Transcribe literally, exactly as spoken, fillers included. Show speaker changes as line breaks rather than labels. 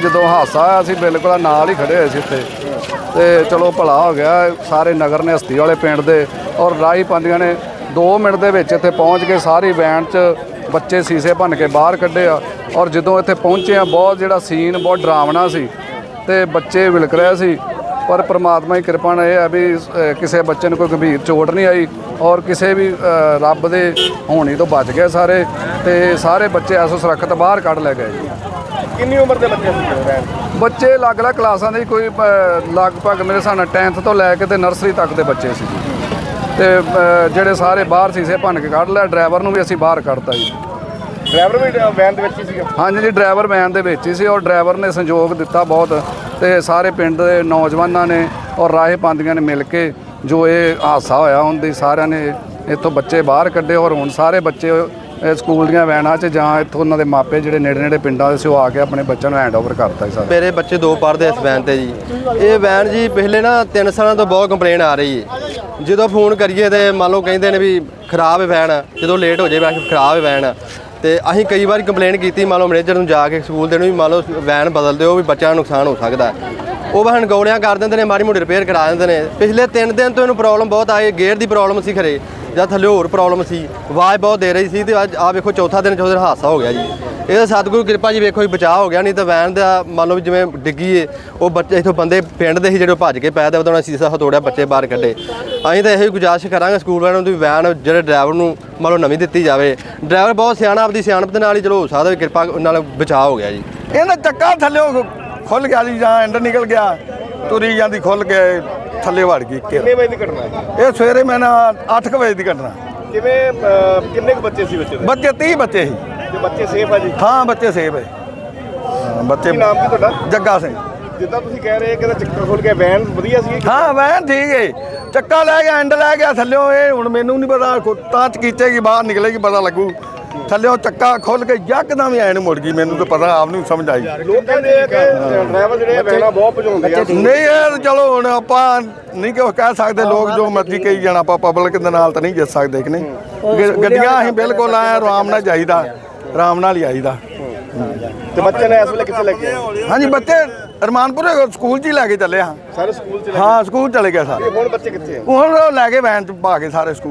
ਜਦੋਂ ਹਾਦਸਾ ਆਇਆ ਅਸੀਂ ਬਿਲਕੁਲ ਨਾਲ ਹੀ ਖੜੇ ਹੋਏ ਸੀ ਇੱਥੇ ਤੇ ਚਲੋ ਭਲਾ ਹੋ ਗਿਆ। ਸਾਰੇ ਨਗਰ ਨੇ ਹਸਤੀ ਵਾਲੇ ਪਿੰਡ ਦੇ ਔਰ ਰਾਹੀ ਪਾਉਂਦੀਆਂ ਨੇ ਦੋ ਮਿੰਟ ਦੇ ਵਿੱਚ ਇੱਥੇ ਪਹੁੰਚ ਕੇ ਸਾਰੀ ਵੈਨ 'ਚ ਬੱਚੇ ਸੀਸੇ ਭੰਨ ਕੇ ਬਾਹਰ ਕੱਢੇ ਆ। ਔਰ ਜਦੋਂ ਇੱਥੇ ਪਹੁੰਚੇ ਆ ਬਹੁਤ ਜਿਹੜਾ ਸੀਨ ਬਹੁਤ ਡਰਾਵਣਾ ਸੀ ਤੇ ਬੱਚੇ ਵਿਲਕ ਰਹੇ ਸੀ, ਪਰ ਪ੍ਰਮਾਤਮਾ ਦੀ ਕਿਰਪਾ ਨਾਲ ਇਹ ਹੈ ਵੀ ਕਿਸੇ ਬੱਚੇ ਨੂੰ ਕੋਈ ਗੰਭੀਰ ਚੋਟ ਨਹੀਂ ਆਈ ਔਰ ਕਿਸੇ ਵੀ ਰੱਬ ਦੇ ਹੋਣੀ ਤੋਂ ਬਚ ਗਏ ਸਾਰੇ ਤੇ ਸਾਰੇ ਬੱਚੇ ਐਸੋ ਸੁਰੱਖਿਅਤ ਬਾਹਰ ਕੱਢ ਲੈ ਗਏ ਜੀ।
ਕਿੰਨੀ ਉਮਰ ਦੇ ਬੱਚੇ ਸੀ?
ਬੱਚੇ ਅਲੱਗ-ਅਲੱਗ ਕਲਾਸਾਂ ਦੇ ਕੋਈ ਲਗਭਗ ਮੇਰੇ ਹਿਸਾਬ ਨਾਲ ਟੈਂਥ ਤੋਂ ਲੈ ਕੇ ਤੇ ਨਰਸਰੀ ਤੱਕ ਦੇ ਬੱਚੇ ਸੀ ਜੀ। ਤੇ ਜਿਹੜੇ ਸਾਰੇ ਬਾਹਰ ਸੀਸੇ ਭੰਨ ਕੇ ਕੱਢ ਲਿਆ। ਡਰਾਈਵਰ ਨੂੰ ਵੀ ਅਸੀਂ ਬਾਹਰ ਕੱਢਤਾ ਜੀ।
ਡਰਾਈਵਰ ਵੀ ਵੈਨ ਦੇ ਵਿੱਚ ਹੀ ਸੀਗਾ?
ਹਾਂਜੀ ਜੀ, ਡਰਾਈਵਰ ਵੈਨ ਦੇ ਵਿੱਚ ਹੀ ਸੀ ਔਰ ਡਰਾਈਵਰ ਨੇ ਸੰਯੋਗ ਦਿੱਤਾ ਬਹੁਤ ਤੇ ਸਾਰੇ ਪਿੰਡ ਦੇ ਨੌਜਵਾਨਾਂ ਨੇ ਔਰ ਰਾਹੇ ਪਾਉਂਦੀਆਂ ਨੇ ਮਿਲ ਕੇ ਜੋ ਇਹ ਹਾਦਸਾ ਹੋਇਆ ਉਹਦੀ ਸਾਰਿਆਂ ਨੇ ਇੱਥੋਂ ਬੱਚੇ ਬਾਹਰ ਕੱਢੇ ਔਰ ਹੁਣ ਸਾਰੇ ਬੱਚੇ ਸਕੂਲ ਦੀਆਂ ਵੈਨਾਂ 'ਚ ਜਾਂ ਇੱਥੋਂ ਉਹਨਾਂ ਦੇ ਮਾਪੇ ਜਿਹੜੇ ਨੇੜੇ ਨੇੜੇ ਪਿੰਡਾਂ ਦੇ ਸੀ ਉਹ ਆ ਕੇ ਆਪਣੇ ਬੱਚਿਆਂ ਨੂੰ ਹੈਂਡ ਓਵਰ ਕਰਤਾ ਜੀ।
ਮੇਰੇ ਬੱਚੇ ਦੋ ਪੜ੍ਹਦੇ ਇਸ ਵੈਨ ਤੇ ਜੀ। ਇਹ ਵੈਨ ਜੀ ਪਿਛਲੇ ਨਾ ਤਿੰਨ ਸਾਲਾਂ ਤੋਂ ਬਹੁਤ ਕੰਪਲੇਨ ਆ ਰਹੀ ਹੈ। ਜਦੋਂ ਫੋਨ ਕਰੀਏ ਤੇ ਮੰਨ ਲਓ ਕਹਿੰਦੇ ਨੇ ਵੀ ਖਰਾਬ ਹੈ ਵੈਨ, ਜਦੋਂ ਲੇਟ ਹੋ ਜਾਏ ਵੈਨ ਖਰਾਬ ਹੈ ਵੈਨ। ਤੇ ਅਸੀਂ ਕਈ ਵਾਰੀ ਕੰਪਲੇਨ ਕੀਤੀ ਮੰਨ ਲਓ ਮੈਨੇਜਰ ਨੂੰ ਜਾ ਕੇ ਸਕੂਲ ਦੇ ਨੂੰ ਵੀ ਮੰਨ ਲਓ ਵੈਨ ਬਦਲ ਦਿਓ ਵੀ ਬੱਚਿਆਂ ਨੂੰ ਨੁਕਸਾਨ ਹੋ ਸਕਦਾ। ਉਹ ਬਹਨ ਗੋਲੀਆਂ ਕਰ ਦਿੰਦੇ ਨੇ, ਮਾੜੀ ਮੋਟੀ ਰਿਪੇਅਰ ਕਰਾ ਦਿੰਦੇ ਨੇ। ਪਿਛਲੇ ਤਿੰਨ ਦਿਨ ਤੋਂ ਇਹਨੂੰ ਪ੍ਰੋਬਲਮ ਬਹੁਤ ਆਈ। ਗੇਅਰ ਦੀ ਪ੍ਰੋਬਲਮ ਸੀ ਖਰੇ ਜਾਂ ਥੱਲੇ ਹੋਰ ਪ੍ਰੋਬਲਮ ਸੀ, ਆਵਾਜ਼ ਬਹੁਤ ਦੇ ਰਹੀ ਸੀ ਤੇ ਅੱਜ ਆ ਵੇਖੋ ਚੌਥਾ ਦਿਨ ਚੌਥੇ ਦਿਨ ਹਾਦਸਾ ਹੋ ਗਿਆ ਜੀ। ਇਹ ਸਤਿਗੁਰੂ ਕਿਰਪਾ ਜੀ ਵੇਖੋ ਜੀ ਬਚਾਅ ਹੋ ਗਿਆ, ਨਹੀਂ ਤਾਂ ਵੈਨ ਦਾ ਮੰਨ ਲਓ ਵੀ ਜਿਵੇਂ ਡਿੱਗੀ ਏ ਉਹ ਬੱਚੇ ਇੱਥੋਂ ਬੰਦੇ ਪਿੰਡ ਦੇ ਸੀ ਜਿਹੜੇ ਭੱਜ ਕੇ ਪੈ ਦੇ ਉਹਦਾ ਸੀਸਾ ਹਤੋੜਿਆ, ਬੱਚੇ ਬਾਹਰ ਕੱਢੇ। ਅਸੀਂ ਤਾਂ ਇਹੋ ਹੀ ਗੁਜ਼ਾਰਿਸ਼ ਕਰਾਂਗੇ ਸਕੂਲ ਵਾਲਿਆਂ ਨੂੰ ਵੀ ਵੈਨ ਜਿਹੜੇ ਡਰਾਈਵਰ ਨੂੰ ਮੰਨ ਲਓ ਨਵੀਂ ਦਿੱਤੀ ਜਾਵੇ। ਡਰਾਈਵਰ ਬਹੁਤ ਸਿਆਣਾ, ਆਪਦੀ ਸਿਆਣਪ ਦੇ ਨਾਲ ਹੀ ਚਲੋ ਹੋ ਸਕਦਾ ਵੀ ਕਿਰਪਾ ਨਾਲ ਬਚਾਅ ਹੋ ਗਿਆ ਜੀ।
ਇਹਦਾ ਚੱਕਾ ਥੱਲੇ ਖੁੱਲ ਗਿਆ ਜੀ ਜਾਂ ਐਂਡ ਨਿਕਲ ਗਿਆ, ਤੁਰੀ ਜਾਂਦੀ ਖੁੱਲ ਕੇ ਥੱਲੇ ਵੜ ਗਈ।
ਕਿੰਨੇ ਵਜੇ ਦੀ ਘਟਨਾ?
ਇਹ ਸਵੇਰੇ ਮੈਂ ਨਾ ਅੱਠ ਕੁ ਵਜੇ ਦੀ ਘਟਨਾ।
ਕਿਵੇਂ ਕਿੰਨੇ ਕੁ ਬੱਚੇ ਸੀ ਬੱਚੇ ਦੇ?
ਬੱਚੇ ਤੀਹ ਬੱਚੇ ਸੀ।
ਤੇ ਬੱਚੇ ਸੇਫ ਆ ਜੀ?
ਹਾਂ ਬੱਚੇ ਸੇਫ ਹੈ। ਬੱਚੇ
ਕੀ ਨਾਮ ਕੀ ਤੁਹਾਡਾ?
ਜੱਗਾ ਸਿੰਘ।
ਜਿੱਦਾਂ ਤੁਸੀਂ ਕਹਿ ਰਹੇ ਕਿ ਚੱਕਰ ਖੁੱਲ ਗਿਆ, ਵੈਨ ਵਧੀਆ ਸੀ?
ਹਾਂ ਵੈਨ ਠੀਕ ਹੈ, ਚੱਕਾ ਲੈ ਗਿਆ ਐਂਡ ਲੈ ਗਿਆ ਥੱਲਿਓ। ਇਹ ਹੁਣ ਮੈਨੂੰ ਨਹੀਂ ਪਤਾ ਤਾਂ ਚਕੀਚੇਗੀ ਬਾਹਰ ਨਿਕਲੇਗੀ ਪਤਾ ਲੱਗੂ। ਥੱਲਿਓ ਚੱਕਾ ਖੁੱਲ ਕੇ ਯਕਦਮ ਐਨ ਮੁੜ ਗਈ। ਮੈਨੂੰ ਤਾਂ ਪਤਾ ਆਪ ਨਹੀਂ ਸਮਝ ਆਈ।
ਲੋਕ ਕਹਿੰਦੇ ਆ ਕਿ ਡਰਾਈਵਰ ਜਿਹੜੇ ਵੈਨਾਂ ਬਹੁਤ ਭਜਾਉਂਦੇ ਆ।
ਨਹੀਂ ਇਹ ਚਲੋ ਹੁਣ ਆਪਾਂ ਨਹੀਂ ਕਿ ਕਹਿ ਸਕਦੇ, ਲੋਕ ਜੋ ਮਰਜ਼ੀ ਕਹੀ ਜਾਣ, ਆਪਾਂ ਪਬਲਿਕ ਦੇ ਨਾਲ ਤਾਂ ਨਹੀਂ ਜਿੱਤ ਸਕਦੇ ਕਿ ਨਹੀਂ। ਗੱਡੀਆਂ ਅਸੀਂ ਬਿਲਕੁਲ ਆਏ ਆਰਾਮ ਨਾਲ ਜਾਈਦਾ, ਆਰਾਮ ਨਾਲ ਹੀ ਆਈਦਾ।
ਤੇ ਬੱਚੇ ਨੇ ਇਸ ਵੇਲੇ ਕਿੱਥੇ ਲੱਗੇ?
ਹਾਂਜੀ ਬੱਚੇ ਰਮਾਨਪੁਰ ਸਕੂਲ 'ਚ ਹੀ ਲੈ ਕੇ ਚੱਲੇ ਹਾਂ।
ਸਾਰੇ ਸਕੂਲ ਚ?
ਹਾਂ ਸਕੂਲ ਚਲੇ ਗਏ ਸਾਰੇ।
ਹੁਣ ਬੱਚੇ ਕਿੱਥੇ ਆ?
ਹੁਣ ਲੈ ਕੇ ਵੈਨ 'ਚ ਪਾ ਕੇ ਸਾਰੇ ਸਕੂਲ